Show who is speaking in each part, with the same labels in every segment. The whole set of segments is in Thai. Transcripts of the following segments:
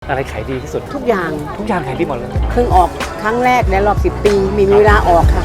Speaker 1: อะไรขายดีที่สุด
Speaker 2: ทุกอย่าง
Speaker 1: ขายดีหมดเลย
Speaker 2: เพิ่งออกครั้งแรกในรอบ10 ปีมีเวลาออกค่ะ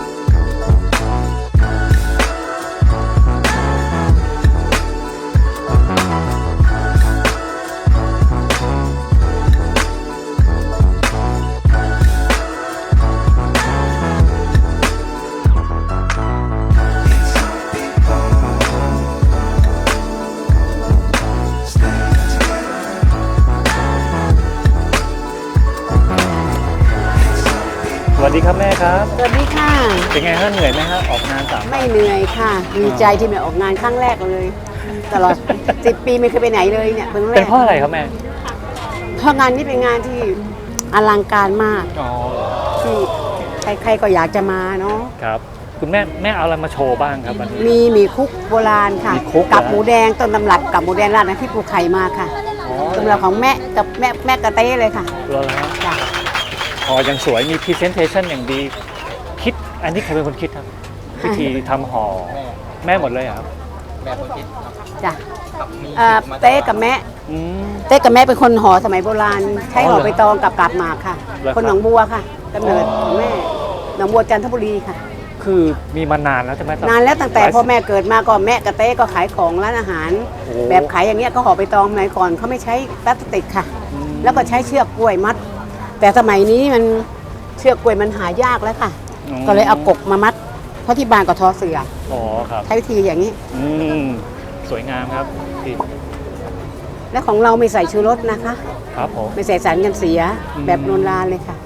Speaker 1: สวัสดีครับแม่ครับ
Speaker 2: สวัสดีค่ะ
Speaker 1: เป็นไงฮะเหนื่อยไหมฮะออกงาน3
Speaker 2: ไม่เหนื่อยค่ะดีใจที่มาออกงานครั้งแรกเลยตลอด10 ปีไม่เคยไปไหนเลยเนี่ย
Speaker 1: เป็นเพราะอะไรครับแม่
Speaker 2: เพราะงานนี้เป็นงานที่อลังการมากที่ใครๆก็อยากจะมาเนาะ
Speaker 1: ครับคุณแม่เอาอะไรมาโชว์บ้างครับวันนี้
Speaker 2: มีคุกโบราณค่ะกับหมูแดงต้นตำรับกับหมูแดงราดน้ำพริกปูไข่มาค่ะตำรับของแม่กับแม่กระเต้เลยค่ะ
Speaker 1: รอแล้วยังสวยมีพรีเซนเทชันอย่างดีคิดอันนี้ใครเป็นคนคิดครับวิธีทำห่อแม่หมดเลยครับ
Speaker 3: แม่คนคิด
Speaker 2: จ้ะเต้กับแม่เป็นคนห่อสมัยโบราณใช้ห่อใบตองกับกาบหมากค่ะคนหนองบัวค่ะกำเนิดของแม่หนองบัวจันทบุรีค่ะ
Speaker 1: คือมีมานานแล้วใช่ไหม
Speaker 2: นานแล้วตั้งแต่พ่อแม่เกิดมาก็แม่กับเต้ก็ขายของร้านอาหารแบบขายอย่างเงี้ยก็ห่อใบตองสมัยก่อนเขาไม่ใช้พลาสติกค่ะแล้วก็ใช้เชือกกล้วยมัดแต่สมัยนี้มันเชือกกล้วยมันหายากแล้วค่ะก็เลยเอากกมามัดเพราะที่บ้านก็ทอเสือ
Speaker 1: ครับ
Speaker 2: ใช้วิธีอย่างนี้
Speaker 1: สวยงามครับพี่
Speaker 2: และของเราไม่ใส่ชูรสนะคะ
Speaker 1: ครับผม
Speaker 2: ไม่ใส่สารกันเสียแบบโบราณเลยค่ะ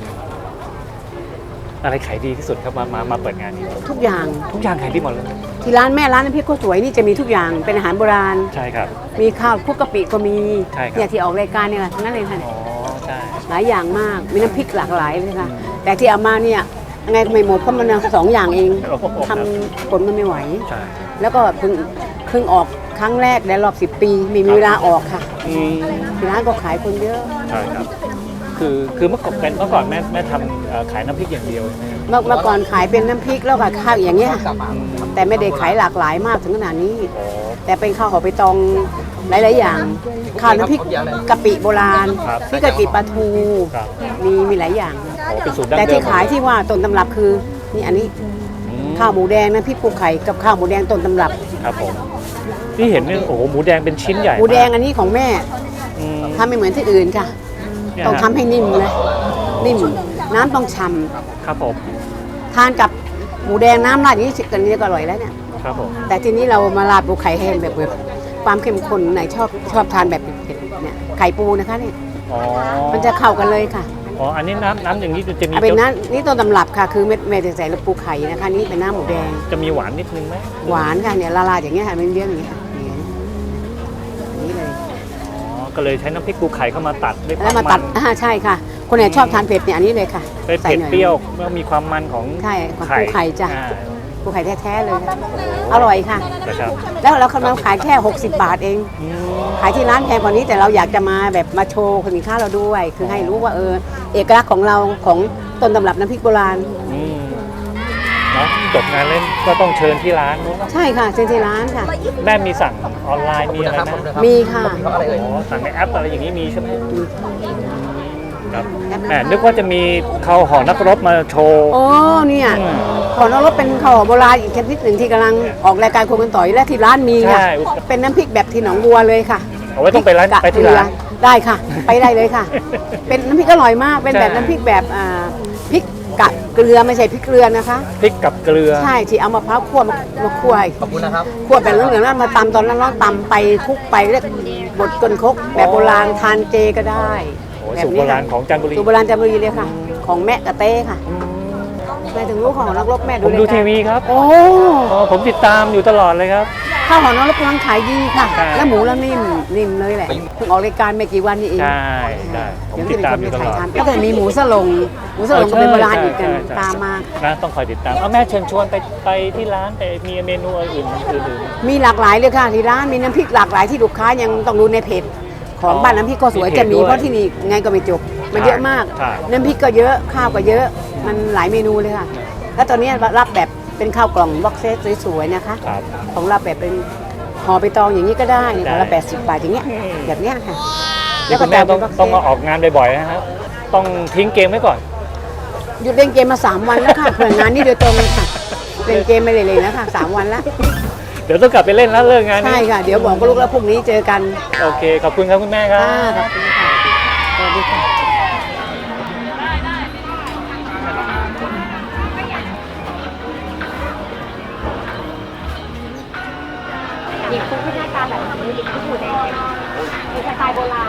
Speaker 1: อะไรขายดีที่สุดครับมาเปิดงานนี้
Speaker 2: ทุกอย่าง
Speaker 1: ขายดีหมดเลย
Speaker 2: ที่ร้านแม่ร้านน้ำพริกข้าวสวยนี่จะมีทุกอย่างเป็นอาหารโบราณ
Speaker 1: ใช่ครับ
Speaker 2: มีข้าวคลุกกะปิก็มี
Speaker 1: เนี่ย
Speaker 2: ที่ออกรายการเนี่ยทั้งนั้นเลยค่ะ
Speaker 1: ใช่
Speaker 2: หลายอย่างมากมีน้ำพริกหลากหลายเลยค่ะแต่ที่เอามาเนี่ยยังไงไม่หมดเพราะมัน2 อย่างเองทำผลมันไม่ไหวแล้วก็เพิ่งออกครั้งแรกในรอบ10 ปีมีเวลาออกค่ะที่ร้านก็ขายคนเยอะ
Speaker 1: ใช่ครับคือเมื่อก่อนแม่ทำขายน้ำพริกอย่างเดียว
Speaker 2: เมื่อก่อนขายเป็นน้ำพริกแล้วก็ข้าวอย่างเงี้ยแต่ไม่ได้ขายหลากหลายมากถึงขนาดนี้แต่เป็นข้าวห่อใบตองหลายๆอย่างข้าวน้ำพริกกะปิโบราณพริกกะปิปลาทูมีหลายอย่างแต่ที่ขายที่ว่าต้นตำรับคือนี่อันนี้ข้าวหมูแดงนะพริกปูไข่กับข้าวหมูแดงต้นตำรับ
Speaker 1: ครับผมที่เห็นเนี่ยโอ้โหหมูแดงเป็นชิ้นใหญ่
Speaker 2: หมูแดงอันนี้ของแม่ทำไม่เหมือนที่อื่นค่ะต้องทำให้นิ่มเลยนิ่มน้ำต้องฉ่ำ
Speaker 1: ครับผม
Speaker 2: ทานกับหมูแดงน้ำราดอย่างนี้กันนี้ก็อร่อยแล้วเนี่ย
Speaker 1: ครับผม
Speaker 2: แต่ทีนี้เรามาราดปูไข่แห้งแบบความเข้มข้นไหนชอบทานแบบเผ็ดๆเนี่ยไข่ปูนะคะนี่มันจะเข้ากันเลยค่ะ
Speaker 1: อันนี้น้ำอย่างนี้จะมี
Speaker 2: เป็นน้ำนี่ต้นตำรับค่ะคือเม็ดใส่ลูกปูไข่นะคะนี่เป็นน้ำหมูแดง
Speaker 1: จะมีหวานนิดนึงไหม
Speaker 2: หวานค่ะเนี่ยละลายอย่างเงี้ยค่ะเป็นเรื่องอย่างเงี้ยนี่เลย
Speaker 1: ก็เลยใช้น้ำพริกปูไข่เข้ามาตัดด้วย
Speaker 2: แล้วมาตัดใช่ค่ะคนไหนชอบทานเผ็ดเนี่ยอันนี้เลยค่ะ
Speaker 1: เผ็ดเปรี้ยวแล้วมีความมันของ
Speaker 2: ใช่ของปูไข่จ้ะปูไข่แท้ๆเลยอร่อยค่ะแล้วเรากำลังขายแค่60 บาทเองขายที่ร้านแพงกว่านี้แต่เราอยากจะมาแบบมาโชว์สินค้าเราด้วยคือให้รู้ว่าเอกลักษณ์ของเราของต้นตำรับน้ำพริกโบราณ
Speaker 1: จบงานเล่นก็ต้องเชิญที่ร้านนู้น
Speaker 2: ใช่ค่ะเชิญที่ร้านค่ะ
Speaker 1: แม่มีสั่งออนไลน์มีอะไรไหม
Speaker 2: มีค่ะ
Speaker 1: สั่งในแอปอะไรอย่างนี้มีใช่ไหมครับนึกว่าจะมีข้าวห่อนักรบมาโชว์
Speaker 2: เนี่ยห่อนักรบเป็นข้าวห่อโบราณอีกชนิดหนึ่งที่กำลังออกรายการควงกันต่อยและที่ร้านมีค่ะเป็นน้ำพริกแบบที่หนองบัวเลยค่ะ
Speaker 1: เอาไว้ต้องไปที่ร้าน
Speaker 2: ได้ค่ะไปได้เลยค่ะเป็นน้ำพริกอร่อยมากเป็นแบบน้ำพริกแบบพริกกับเกลือไม่ใช่พริกเกลือนะคะ
Speaker 1: พริกกับเกลือ
Speaker 2: ใช่ที่เอามะพร้าวคั่วมาคั่ว
Speaker 3: ขอบคุณนะครับ
Speaker 2: คั่วแบบเหลืองๆแล้วมาตำตอนนั้นตำไปคลุกไปเรียกบดจนครกแบบโบราณทานเจก็ได้
Speaker 1: สูตรโบราณของจันทบุรี
Speaker 2: สูตรโบราณจันทบุรีเลยค่ะของแม่กะเต้ค่ะแม่ถึงรู้ของนักรบแม่
Speaker 1: ผมดูทีวีครับผมติดตามอยู่ตลอดเลยครับ
Speaker 2: ข้าวหอนักรบกำลังขายดีค่ะแล้วหมูแล้วนิ่มเลยแหละเพิ่งออกรายการไม่กี่วันนี้เอง
Speaker 1: ใช่ผมติดตามอยู่ตลอด
Speaker 2: แล้วก็มีหมูสลงก็เป็นโบราณอีกกันตามมา
Speaker 1: นะต้องคอยติดตามแม่เชิญชวนไปที่ร้านไปมีเมนูอื่น
Speaker 2: มีหลากหลายเลยค่ะที่ร้านมีน้ำพริกหลากหลายที่ลูกค้ายังต้องดูในเพจของบ้านน้ำพริกก็สวยจะมีเพราะที่นี่ไงก็ไม่จบมันเยอะมากน้ำพริกก็เยอะข้าวก็เยอะมันหลายเมนูเลยค่ะแล้วตอนนี้รับแบบเป็นข้าวกล่องบ็อกเซตสวยๆนะคะของเราแบบเป็นห่อใบตองอย่างนี้ก็ได้ห่อละ80 บาทอย่างเงี้ยแบบเนี้ยค่ะ
Speaker 1: เดี๋ยวคุณแม่ต้องมาออกงานบ่อยๆนะครับต้องทิ้งเกมไว้ก่อน
Speaker 2: หยุดเล่นเกมมา3 วันแล้วค่ะเผื่องานนี้โดยตรงเลยค่ะเล่นเกมไม่ได้เลยนะคะ3 วันแล้ว
Speaker 1: เดี๋ยวต้องกลับไปเล่นแล้วเลิกงานนี้
Speaker 2: ใช่ค่ะเดี๋ยวบอกกับลูกแล้วพรุ่งนี้เจอกัน
Speaker 1: โอเคขอบคุณครับคุณแม่ครับ
Speaker 2: ขอบคุณค่ะสวัสดีค่ะ
Speaker 3: หญิงคงไม่หน้าตาแบบนี้หญิงที่อยู่ในสไตล์โบราณ